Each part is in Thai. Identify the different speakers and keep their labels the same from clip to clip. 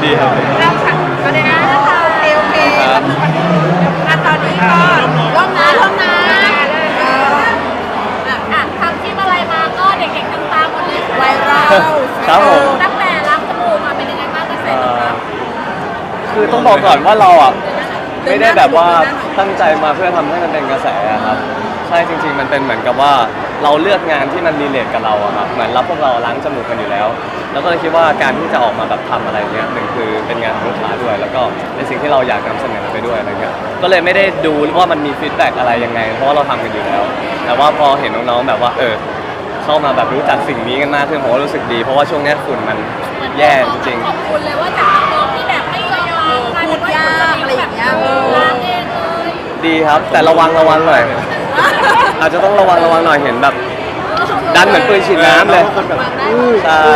Speaker 1: ดีครับ
Speaker 2: เริ่มค่ะก็ได้นะโอเค
Speaker 1: ครับ
Speaker 2: ตอนนี้ก็ร่วมนะทำที่อะไรมาก็เด็กๆต่างๆหมดเลยไวรัล
Speaker 1: ครับผม
Speaker 2: ตั้งแต่ล้างจมูกมาเป็นยังไงบ้างกระแสตอบรับ
Speaker 1: คือต้องบอกก่อนว่าเราอ่ะไม่ได้แบบว่าตั้งใจมาเพื่อทำให้มันเป็นกระแสครับใช่จริงๆมันเป็นเหมือนกับว่าเราเลือกงานที่มันรีเลทกับเราอะครับเหมือนพวกเราล้างจมูกกันอยู่แล้วแล้วก็เลยคิดว่าการที่จะออกมาแบบทำอะไรเงี้ยหนึ่งคือเป็นงานของลูกค้าด้วยแล้วก็เป็นสิ่งที่เราอยากนำเสนอไปด้วยอะไรเงี้ยก็เลยไม่ได้ดูว่ามันมีฟีดแบ็กอะไรยังไงเพราะว่าเราทำกันอยู่แล้วแต่ว่าพอเห็นน้องๆแบบว่าเข้ามาแบบรู้จักสิ่งนี้กันมากขึ้นผมก็รู้สึกดีเพราะว่าช่วงนี้ฝุ่นมันแย่จริง
Speaker 2: ขอบคุณเลยว่าจากน้องที่แบบไม่ยอมพูดยากอะไรอย่างเงี้ยล้างเองเลย
Speaker 1: ดีครับแต่ระวังหน่อยอาจจะต้องระวังหน่อยเห็นแบบดันเหมือนปืนฉีดน้ำเลยใช่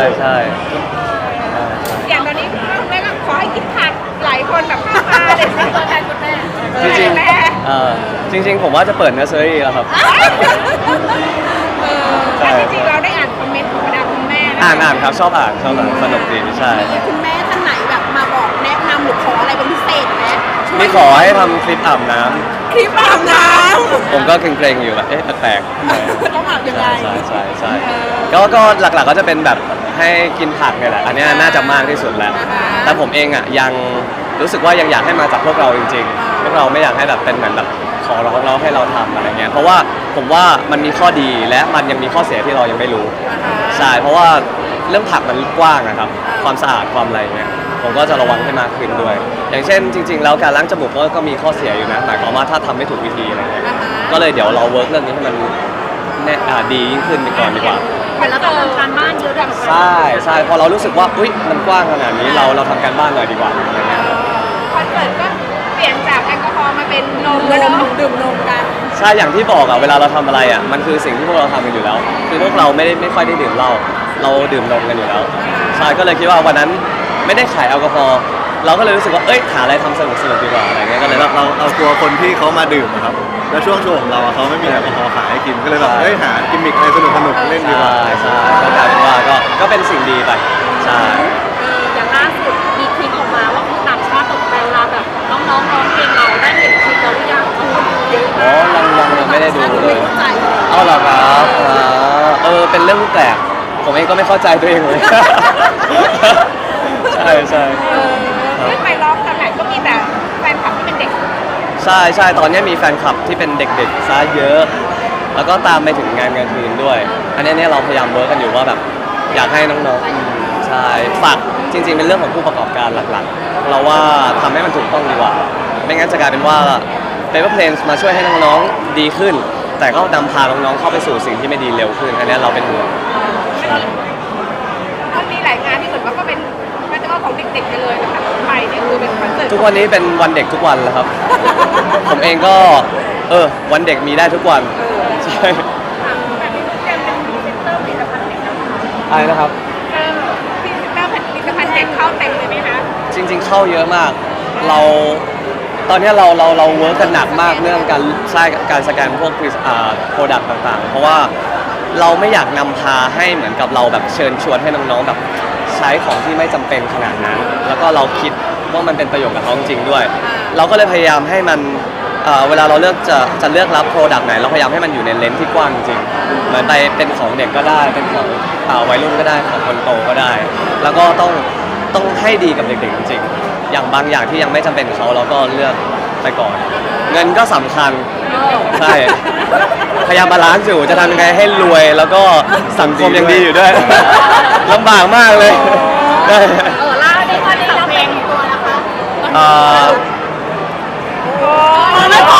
Speaker 2: อย่างตอนนี้คุณแม่ก็ขอให้กินผักหลายคนแบบข้าวปลาเลยตัวแทนคุณแม่
Speaker 1: จริงผมว่าจะเปิดเนอร์เซอรี่แล้วครับ
Speaker 2: แต่จริงๆเราได้อ่านคอมเมนต์ของบรรดาคุณแม่
Speaker 1: อ่านครับชอบอ่านสนุกดีใช่
Speaker 2: คุณแม่ท่านไหนแบบมาบอกแนะนำหรือขออะไรเป็นพิเศษไหม
Speaker 1: มีขอให้ทำคลิปอาบน้ำผมก็เกรงๆอยู่แบบแปลก
Speaker 2: ๆต้องอาบยังไง
Speaker 1: ใช่ก็หลักๆก็จะเป็นแบบให้กินผักเนี่ยแหละอันนี้น่าจะมากที่สุดแล้วแต่ผมเองอ่ะยังรู้สึกว่ายังอยากให้มาจากพวกเราจริงๆพวกเราไม่อยากให้แบบเป็นเหมือนแบบขอร้องเราให้เราทำอะไรเงี้ยเพราะว่าผมว่ามันมีข้อดีและมันยังมีข้อเสียที่เรายังไม่รู้ใช่เพราะว่าเรื่องผักมันกว้างนะครับความสะอาดความอะไรเงี้ยผมก็จะระวังให้มากขึ้นด้วยอย่างเช่นจริงๆแล้วการล้างจมูกก็มีข้อเสียอยู่นะหมายความว่าถ้าทำไม่ถูกวิธีอะไรเงี้ยก็เลยเดี๋ยวเราเวิร์กเรื่องนี้ให้มันดียิ่งขึ้นไปก่อนดีกว่า
Speaker 2: เหมือนเราต้องทำการบ้านเยอะแบบ
Speaker 1: ใช่พอเรารู้สึกว่าอุ๊ยมันกว้างขนาดนี้เราทำการบ้านหน่อยดีกว่าอะไรเงี้ย
Speaker 2: คอนเสิร์ตก็เปลี่ยนจากแอลกอฮอล์มาเป็นนมแล้วดื่มนมกัน
Speaker 1: ใช่อย่างที่บอกอะเวลาเราทำอะไรอะมันคือสิ่งที่พวกเราทำกันอยู่แล้วคือพวกเราไม่ค่อยได้ดื่มเหล้าเราดื่มนมกันอยู่แล้วใช่ก็เลยคิดว่าวันนั้นไม่ได้ขายแอลกอฮอล์เราก็เลยรู้สึกว่าหาอะไรทำสนุกดีกว่าอะไรเงี้ยก็เลย
Speaker 3: เรากลัวคนที่เขามาดื่มครับแล้วช่วงโชว์ของเราเขาไม่มีแอลกอฮอล์ขายให้กินก็เลยแบบหากิมมิคอะไรสนุกเล่นดีกว่า
Speaker 1: ใช่ก็กลายเป็นว่าก็เป็นสิ่งดีไปใช่
Speaker 2: อย่างล่าสุดมีคลิปออกมาว่าคือต่างชาติตกใจเวลาแบบน้องร้องเพลงเราได้เห็นคลิปเราหรือยัง
Speaker 1: ยังไม่ได้ดูเลยเอาเหรอครับเป็นเรื่องแปลกผมเองก็ไม่เข้าใจตัวเองเลยใช่
Speaker 2: ขึ้นไปร้องตอนไหนก็มีแต่แฟนคลับที่เป็นเด็ก
Speaker 1: ใช่ตอนนี้มีแฟนคลับที่เป็นเด็กๆซะเยอะแล้วก็ตามไปถึงงานกลางคืนด้วยอันนี้เราพยายามเวิร์กกันอยู่ว่าแบบอยากให้น้องๆใช่ฝากจริงๆเป็นเรื่องของผู้ประกอบการหลักๆเราว่าทำให้มันถูกต้องดีกว่าไม่งั้นจะกลายเป็นว่าPaper Planes มาช่วยให้น้องๆดีขึ้นแต่ก็นำพาน้องๆเข้าไปสู่สิ่งที่ไม่ดีเร็วขึ้นอันนี้เราเป็นห่วง
Speaker 2: มันมีหลายงานที่เหมือนว่าก็เป็นมันจะว่าของเด็กๆกันเลยนะคะไปเนี่ยคือเป็นคอนเสิร์ต
Speaker 1: ทุกวันนี้เป็นวันเด็กทุกวันแล้วครับ ผมเองก็วันเด็กมีได้ทุกวันใช่
Speaker 2: แบบนี้แกเป็นพรีเซนเตอร์ผลิตภัณฑ์เด็ก
Speaker 1: อะไรนะครับ
Speaker 2: พรีเซนเตอร์ผลิตภัณฑ์เด็กเข้าเต็มเลยไหมคะ
Speaker 1: จริงๆเข้าเยอะมากตอนนี้เราเวิร์กกันหนักมากเรื่องการสแกนพวกโปรดักต์ต่างๆเพราะว่าเราไม่อยากนำพาให้เหมือนกับเราแบบเชิญชวนให้น้องๆแบบใช้ของที่ไม่จำเป็นขนาดนั้นแล้วก็เราคิดว่ามันเป็นประโยชน์กับเขาจริงด้วยเราก็เลยพยายามให้มันเวลาเราเลือกจะเลือกรับโปรดักต์ไหนเราพยายามให้มันอยู่ในเลนส์ที่กว้างจริงเหมือนไปเป็นของเด็กก็ได้เป็นของวัยรุ่นก็ได้ของคนโตก็ได้แล้วก็ต้องให้ดีกับเด็กๆจริงๆอย่างบางอย่างที่ยังไม่จำเป็นเขาเราก็เลือกไปก่อนเงินก็สำคัญใช่พยายามบาลานซ์อยู่จะทำยังไงให้รวยแล้วก็สังคมยังดีอยู่ด้วยลำบากมากเลย
Speaker 2: ล่าได้ว่าได้รับเพลงตัวนะคะไม่พอ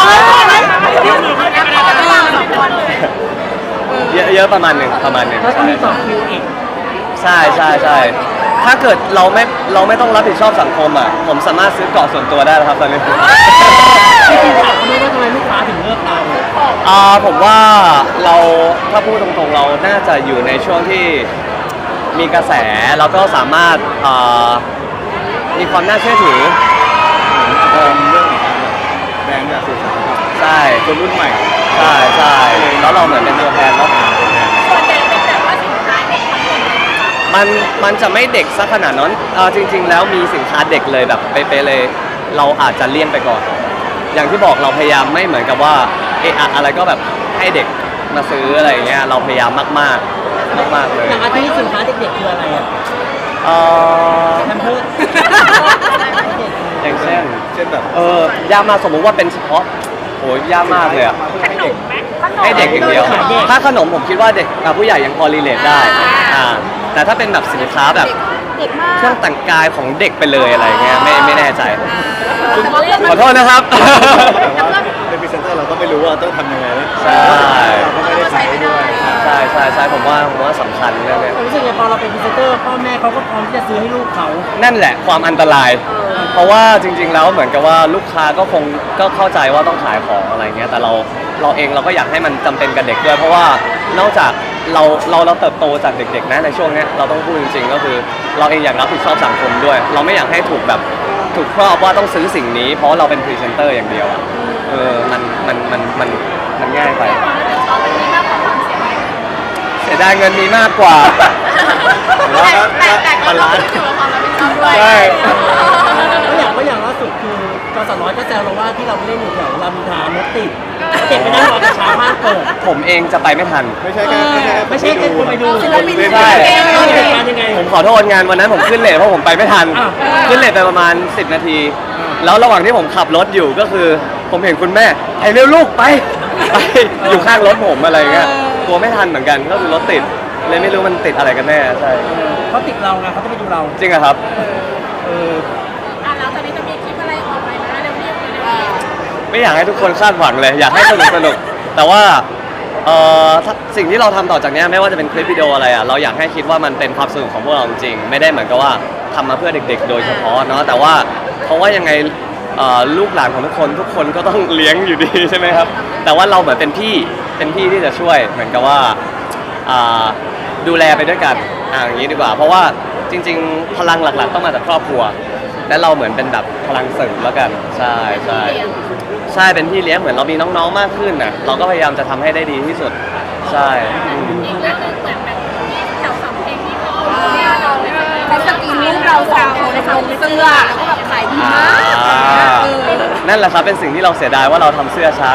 Speaker 1: เยอะประมาณหนึ่ง
Speaker 4: แล้วก็มีต่อคิวอีก
Speaker 1: ใช่ถ้าเกิดเราไม่ต้องรับผิดชอบสังคมอ่ะผมสามารถซื้อเกาะส่วนตัวได้แล้วครับตอนนี้
Speaker 4: ที่ถามเขาว่าทำไมลูกค้าถึงเลือกเรา
Speaker 1: ผมว่าเราถ้าพูดตรงๆเราน่าจะอยู่ในช่วงที่มีกระแสแล้วก็สามารถมีความน่าเชื่อถือ
Speaker 3: เรื่องแบรนด์แบบสื่อสาร
Speaker 1: ใช่
Speaker 3: คนรุ่นใหม่
Speaker 1: ใช่แล้วเราเหมือนเป็นตัวแทนเนาะ
Speaker 2: ส่วนใหญ่เป็นแบบว่าสินค้าเด็กทั้งหมด
Speaker 1: มันจะไม่เด็กซะขนาดนั้นจริง ๆ แล้วมีสินค้าเด็กเลยแบบเป๊ะๆเลย เราอาจจะเลี่ยงไปก่อน อย่างที่บอกเราพยายามไม่เหมือนกับว่าอะไรก็แบบให้เด็กมาซื้ออะไรอย่างเงี้ยเราพยายามมากๆเลย
Speaker 4: อย่างอาทิตย์สินค้าเด็กๆคืออะไรอ่ะ
Speaker 1: เอ่อ
Speaker 4: แพมเพิร์ส
Speaker 1: อย่างเช่น
Speaker 3: เช่นแบบ
Speaker 1: ยากมากสมมุติว่าเป็นเฉพาะโหยากมากเลยอะ
Speaker 3: มาเพื่อให้เด็ก
Speaker 1: ให้เด็กอย่างเดียว ถ้าขนมผมคิดว่าเด็กกับผู้ใหญ่ยังพอรีเลทได้แต่ถ้าเป็นแบบสินค้าแบบ
Speaker 2: เด็กมาก
Speaker 1: เครื่องแต่งกายของเด็กไปเลยอะไรเงี้ยไม่แน่ใจ
Speaker 2: แต่ว่าเรื่อง
Speaker 1: ขอโทษนะครับ
Speaker 3: แต่ว่าเป็นพรีเซนเตอร์เราก็ไม่รู้ว่าต้องทำยังไงนะ
Speaker 1: ใช่
Speaker 3: เราก็ไม่ได้ใช้ด้วย
Speaker 1: ใช่ผมว่าสำคัญเรื่องเนี้ย
Speaker 4: รู้สึกไงพอเราเป็นพรีเซนเตอร์พ่อแม่เขาก็พร้อมที่จะซื้อให้ลูกเขา
Speaker 1: นั่นแหละความอันตราย เพราะว่าจริง ๆ แล้วเหมือนกับว่าลูกค้าก็คงก็เข้าใจว่าต้องขายของอะไรเงี้ยแต่เราเองเราก็อยากให้มันจำเป็นกับเด็กด้วย เพราะว่านอกจากเราเติบโตจากเด็กๆนะในช่วงเนี้ยเราต้องพูดจริงๆก็คือเราเองอยากรับผิดชอบสังคมด้วย เราไม่อยากให้ถูกแบบถูกครอบว่าต้องซื้อสิ่งนี้เพราะเราเป็นพรีเซนเตอร์อย่างเดียวอะมันง่ายไป
Speaker 2: ชอบเป็นนี้มากกว่าความเสียดาย
Speaker 1: เสียดายเงินมีมากกว่า
Speaker 2: แต่ก็ต้องอยู่กับความรับผิดชอบด้วย
Speaker 1: ใช่
Speaker 4: ก็อย่างล่าสุดคือจอสร้อยก็แซวเราว่าที่เราไปเล่นอยู่แถวรามอินทรารถติดเด็กไปนั่งรอกระเช้ามากเปิด
Speaker 1: ผมเองจะไปไม่ทัน
Speaker 3: ไม่ใช่แค่
Speaker 4: ไม่ใช่แค่คนไปดู
Speaker 2: ศิลปิน
Speaker 1: ใช่
Speaker 4: เหตุการณ์ยังไง
Speaker 1: ผมขอโทษงานวันนั้นผมขึ้นเลทเพราะผมไปไม่ทัน
Speaker 4: อ้าว
Speaker 1: ขึ้นเลทไปประมาณ10 นาที แล้วระหว่างที่ผมขับรถอยู่ก็คือ ผมเห็นคุณแม่ไอ้เร็วลูกไปอยู่ข้างรถผมอะไรเงี้ยกลัวไม่ทันเหมือนกันก็คือรถติดเลยไม่รู้มันติดอะไรกันแน่ใช่
Speaker 4: เขาติดเราไงเขาจะไปดูเรา
Speaker 1: จริงเหรอครับ
Speaker 2: แล้วตอนนี้จะมีคลิปอะไรออกไปนะเร็วๆเลย
Speaker 1: ไม่อยากให้ทุกคนคาดหวังเลย อยากให้สนุกแต่ว่าสิ่งที่เราทำต่อจากเนี้ยไม่ว่าจะเป็นคลิปวิดีโออะไรอ่ะเราอยากให้คิดว่ามันเป็นความสนุกของพวกเราจริงๆไม่ได้เหมือนกับว่าทำมาเพื่อเด็กๆ โดยเฉพาะเนาะแต่ว่าเพราะว่ายังไงลูกหลานของทุกคนก็ต้องเลี้ยงอยู่ดีใช่ไหมครับแต่ว่าเราเหมือนเป็นพี่ที่จะช่วยเหมือนกับว่าดูแลไปด้วยกันอย่างนี้ดีกว่า เพราะว่าจริงๆ พลังหลักๆต้องมาจากครอบครัว และเราเหมือนเป็นแบบพลังเสริมแล้วกันใช่เป็นพี่เลี้ยงเหมือนเรามีน้องๆมากขึ้นน่ะเราก็พยายามจะทำให้ได้ดีที่สุดใช่
Speaker 2: อีกเรื่องนึงเหมือนแบบที่แถวสำเพ็งที่เขาเขาสกรีนรูปเราสองคนในลงเสื้อแล้วก็แบบขายดีมาก
Speaker 1: นั่นแหละครับเป็นสิ่งที่เราเสียดายว่าเราทำเสื้อช้า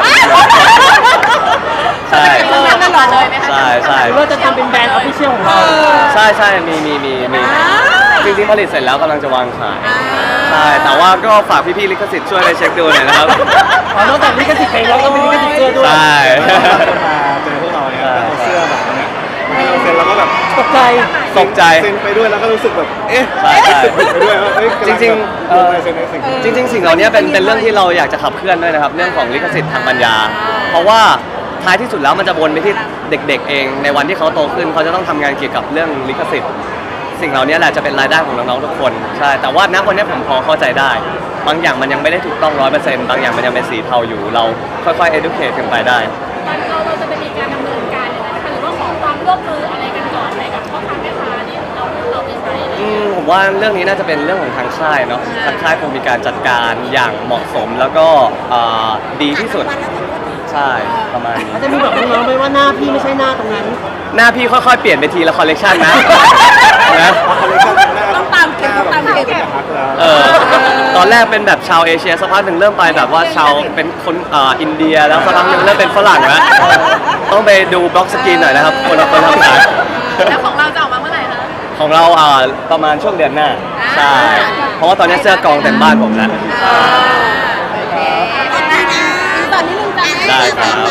Speaker 1: ใช่
Speaker 2: ทำตลอดเลยไหมคะ
Speaker 1: ใช่
Speaker 4: หรือว่าจะทำเป็นแบรนด์ออฟฟิเชียลของเรา
Speaker 1: ใช่มีจริงๆผลิตเสร็จแล้วกำลังจะวางขายใช่แต่ว่าก็ฝากพี่ๆลิขสิทธิ์ช่วยไปเช็คดูหน่อยนะครับ
Speaker 4: นอกจากลิขสิทธิ์เพลงแล้วก็มีลิขสิทธิ์เสื้อด้วย
Speaker 1: ใช่
Speaker 3: มาเจอพวกเราเนี่ยแล้วเอาเสื้อแบบเนี้ยมาให้เราเซ็นแล้วก็แบบ
Speaker 4: ตกใจ
Speaker 1: ตกใจ
Speaker 3: เซ็นไปด้วยแล้วก็รู้สึกแบบเอ๊ะ
Speaker 1: ใช่
Speaker 3: ไปด้วยว่าเฮ้ย
Speaker 1: จริงๆ
Speaker 3: ลงลายเซ็นในสิ่งที่
Speaker 1: จริงๆสิ่งเหล่านี้เป็นเรื่องที่เราอยากจะขับเคลื่อนด้วยนะครับเรื่องของลิขสิทธิ์ทางปัญญา เพราะว่าท้ายที่สุดแล้วมันจะวนไปที่เด็กๆเองในวันที่เขาโตขึ้นเขาจะต้องทำงานเกี่ยวกับเรื่องลิขสิทธิ์สิ่งเหล่านี้แหละจะเป็นรายได้ของน้องๆทุกคนใช่แต่ว่าณวันนี้ผมพอเข้าใจได้ บางอย่างมันยังไม่ได้ถูกต้อง 100% บางอย่างมันยังเป็นสีเทาอยู่เราค่อยๆ educate กันไปได้
Speaker 2: ตอนเราจะมีการดำเนินการอย่างไรนะคะหรือว่าขอความร่วมมืออะไรกันก่อนอะไรกับพ่อค้าแม่ค้านี่เราไม่ใช้เลย
Speaker 1: ผมว่าเรื่องนี้น่าจะเป็นเรื่องของทางค่ายเนาะทางค่ายคงมีการจัดการอย่างเหมาะสมแล้วก็ดีที่สุดใช่ประมาณนี้
Speaker 4: เขาจะมีบอกน้องๆไหมว่าหน้าพี่ไม่ใช่หน้าตรงนั้น
Speaker 1: หน้าพี่ค่อยๆเปลี่ยนไปทีละคอลเลกชันนะนะ
Speaker 2: ต้องตามเก็บต้องตามเก็บ
Speaker 1: ตอนแรกเป็นแบบชาวเอเชียสักพักหนึ่งเริ่มไปแบบว่าชาวเป็นคนอินเดียแล้วสักพักหนึ่งเริ่มเป็นฝรั่งแล้วต้องไปดูบล็อกสกรีนหน่อยนะครับคนทำงาน
Speaker 2: แล้วของเราจะออกมาเมื่อไหร่คะ
Speaker 1: ของเราประมาณช่วงเดือนหน้าใช่เพราะว่าตอนนี้เสื้อกองเต็มบ้านผมแล้ว
Speaker 2: โอเคตอนนี้นึงจ้ะ
Speaker 1: ได้ครับ